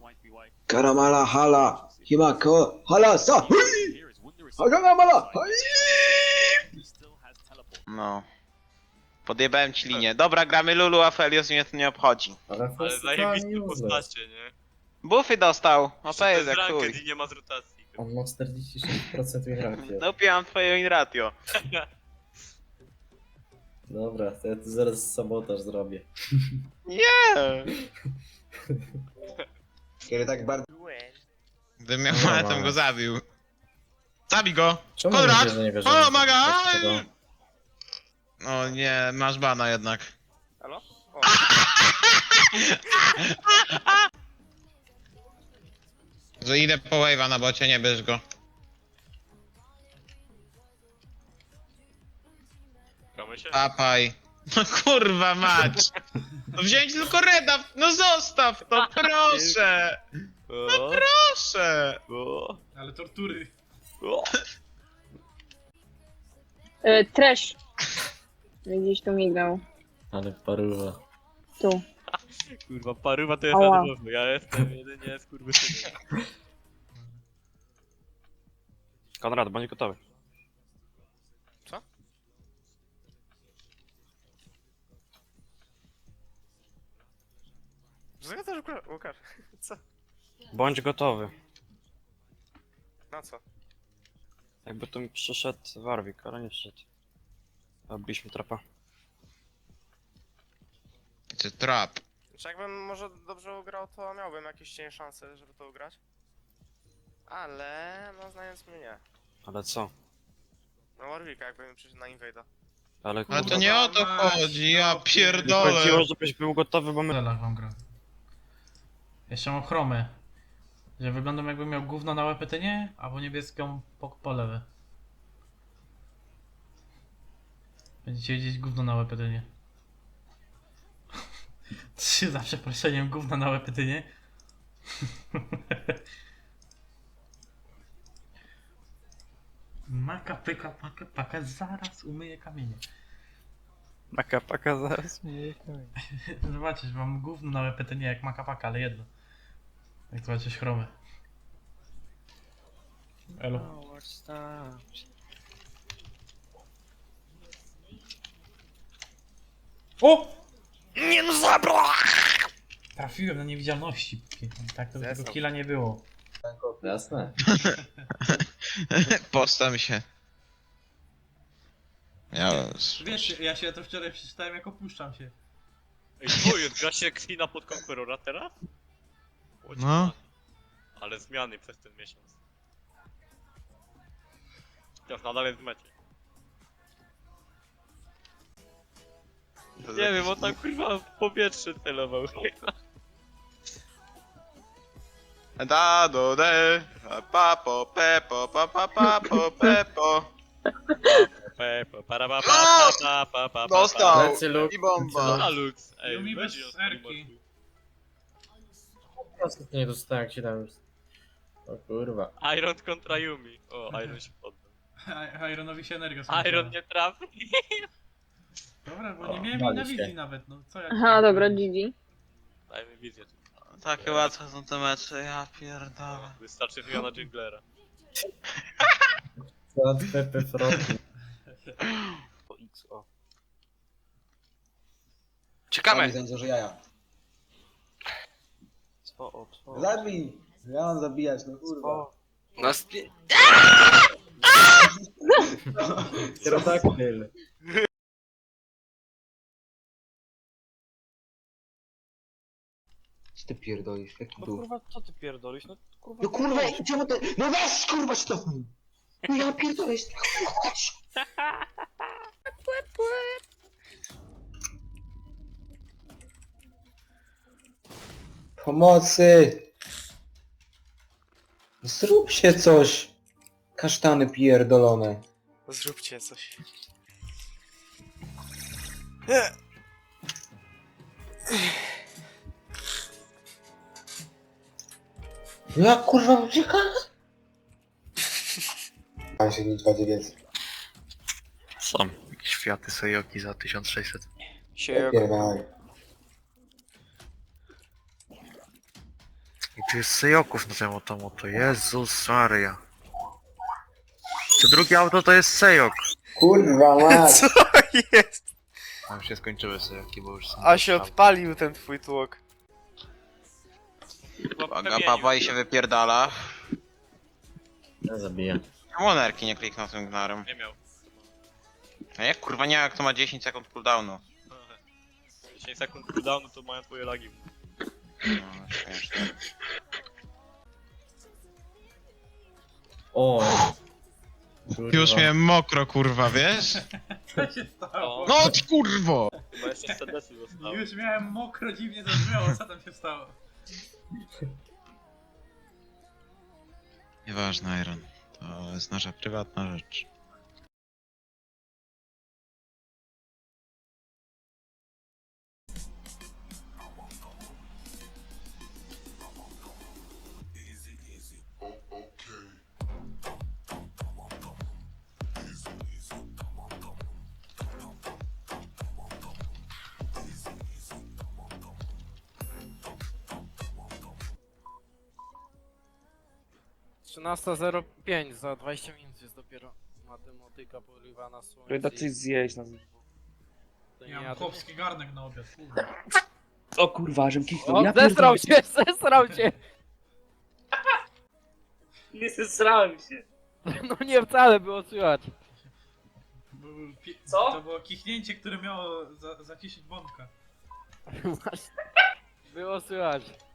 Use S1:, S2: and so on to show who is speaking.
S1: Karamala hala, himako hala sa. Karamala.
S2: No. Podjebałem ci linię. Dobra, gramy Lulu, a Felios mnie to nie obchodzi.
S3: Ale
S4: Ale zajebiste postacie, nie?
S2: Buffy dostał. OP
S4: To
S2: jest
S4: jest
S2: jak
S4: ranked
S2: chuj.
S4: i nie ma z rotacji.
S3: On ma 46% win ratio.
S2: Dopiłam twoje in ratio.
S3: Dobra, to ja tu zaraz sabotaż zrobię.
S2: Nie.
S1: Kiedy tak bardzo...
S2: Gdybym miał
S3: Dobra.
S2: monetę, go zabił. Zabij go!
S3: Czemu
S2: Konrad!
S3: mówisz, że nie wierzymy?
S2: Pomagaj! O nie, masz bana jednak.
S4: Halo? O.
S2: Że idę po wave'a na bocie, nie bierz go.
S4: Gramy się?
S2: Papaj. No kurwa mać! No wziąć tylko reda, no zostaw to, proszę!
S4: O,
S2: Proszę!
S4: o,
S5: Ale tortury.
S4: o.
S6: Trash. Gdzieś tu mignął.
S3: Ale paruwa.
S6: Tu.
S4: Kurwa, parywa to jest
S6: Ała.
S4: na dworzu. Ja jestem jedynie skurwysynem. Konrad, bądź gotowy. Co?
S7: Co też Łukasz? Co?
S4: Bądź gotowy.
S7: Na co?
S4: Jakby tu mi przyszedł Warwick, ale nie przyszedł. Robiliśmy trapa.
S2: It's a trap.
S7: Czy jakbym może dobrze ugrał, to miałbym jakieś cień szanse, żeby to ugrać. Ale, no znając mnie nie.
S4: Ale co?
S7: No Warwicka jakbym przyszedł na Invade'a.
S4: Ale
S2: Ale
S4: kurwa,
S2: to nie o to chodzi, ja
S4: mi
S2: pierdolę.
S4: chodziło, żebyś był gotowy, bo my...
S5: Zelach wam gra. Jeszcze mam chromę. Że wyglądam jakbym miał gówno na łepetynie, albo niebieską po lewe. Będziecie widzieć gówno na łepetynie. Trzy za przeproszeniem gówno na łepetynie. Maka pyka, maka paka, zaraz umyję kamienie.
S4: Paka, paka, zaraz mnie
S5: Zobaczysz, mam gówno na łepetynie jak maka paka, ale jedno. Jak zobaczysz chromę. Elo. O!
S7: Nie no zabra!
S5: Trafiłem na niewidzialności. Tak to by tego
S7: Zesrał.
S5: killa nie było.
S3: Jasne.
S2: Postam się. Ja...
S5: Wiesz, ja się to wczoraj przeczytałem jak opuszczam się.
S4: Ej, twoje, gra się Xina pod Conquerora teraz? Łoć,
S2: No.
S4: ale zmiany przez ten miesiąc. Teraz nadal jest w mecie. Nie wiem, on tam kurwa w powietrze celował.
S2: Da do de, papo, pepo, papo, pepo.
S4: Pepo, para pa pa pa pa pa.
S2: Dostał!
S3: Lecę, Luke.
S2: I bomba.
S4: A Lux, ej,
S5: Lumi
S4: weź
S5: bez
S4: ją z
S5: erki.
S4: klimatu.
S3: Nie dostałem, jak się tam już... O kurwa.
S4: Iron kontra Yumi. O, Iron się poddał.
S5: Ironowi się energia skończyła.
S4: Iron nie trafi.
S5: Dobra, bo
S3: O,
S5: nie miałem jej
S3: bali
S5: na
S3: się.
S5: wizji nawet, no co ja...
S6: Aha, dobra, GG.
S4: Dajmy wizję.
S2: Takie łatwe są te mecze, ja pierdolę.
S4: Wystarczy wymiana Jinglera.
S3: Co Pepe Frog.
S4: O XO.
S7: Czekamy!
S1: Widzę, że jaja.
S4: Co?
S1: Zabij! Ja mam zabijać, no kurwa.
S7: No
S3: Pterodaktyl.
S1: Co ty pierdolisz? Jak to
S4: No
S1: było?
S4: kurwa, co ty pierdolisz? No kurwa.
S1: No kurwa, czemu ty... No weź kurwa stopnij! No ja pierdolę, chodź! Pomocy! Zróbcie coś! Kasztany pierdolone.
S7: Zróbcie coś.
S1: No jak kurwa ucieka? Pan się nic bardziej więcej.
S4: Są jakieś Fiaty Sejoki za 1600.
S7: Się
S1: Pierdolaj.
S8: I tu jest Sejoków na tym automoto, Jezus Maria. Co drugie auto to jest Sejok.
S1: Kurwa mać.
S7: Co jest?
S8: A już się skończyły Sejoki, bo już są...
S7: A się odpalił ten twój tłok.
S2: Uwaga, papa i się wypierdala.
S3: Ja zabiję.
S2: Czemu nerki nie kliknął tym gnarem?
S9: Nie miał.
S2: A jak kurwa nie, jak to ma 10 sekund cooldownu?
S9: 10 sekund cooldownu to mają twoje lagi.
S2: No, śmieszne.
S3: O! Kurwa.
S2: Już miałem mokro kurwa, wiesz?
S5: Co się stało?
S2: No ty kurwo!
S9: Chyba jeszcze serdecznie zostało.
S5: Już miałem mokro, dziwnie to brzmiało, co tam się stało?
S2: Nieważne, Iron. To jest nasza prywatna rzecz.
S10: za 20 minut jest dopiero matematyka porywa na słońce.
S1: Ryda coś zjeść na...
S5: Ja mam chłopski garnek na obiad, kurwa.
S1: O kurwa, żem kichnął.
S10: O,
S1: Ja
S10: zesrał
S1: pierdolę.
S10: się, zesrał się!
S1: Nie zesrałem się.
S10: No nie wcale było słychać.
S1: Co?
S5: To było kichnięcie, które miało zaciszyć bąka.
S10: Było słychać.